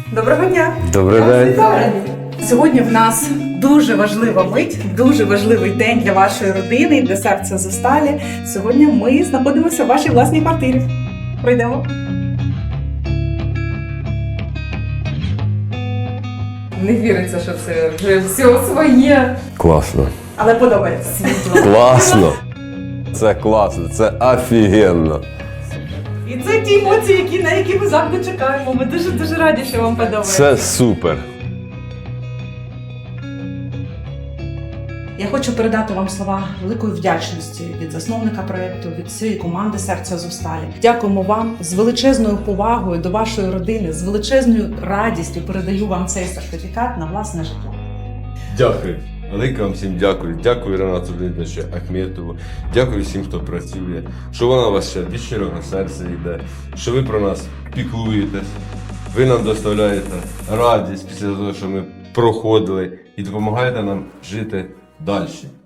Доброго дня! Добрий день. Сьогодні в нас дуже важлива мить, дуже важливий день для вашої родини і для серця Зосталі. Сьогодні ми знаходимося в вашій власній квартирі. Пройдемо. Не віриться, що це вже все своє. Класно. Але подобається. Світло. Класно. Це класно, це офігенно. І це ті емоції, на які ми завжди чекаємо. Ми дуже раді, що вам подобається. Це супер. Я хочу передати вам слова великої вдячності від засновника проєкту, від всієї команди «Серця Зосталі». Дякуємо вам з величезною повагою до вашої родини, з величезною радістю передаю вам цей сертифікат на власне житло. Дякую. Велике вам всім дякую. Дякую Ренату Леонідовичу Ахметову. Дякую всім, хто працює. Що вона у вас ще від щирого серця йде. Що ви про нас піклуєтесь. Ви нам доставляєте радість після того, що ми проходили. І допомагаєте нам жити далі.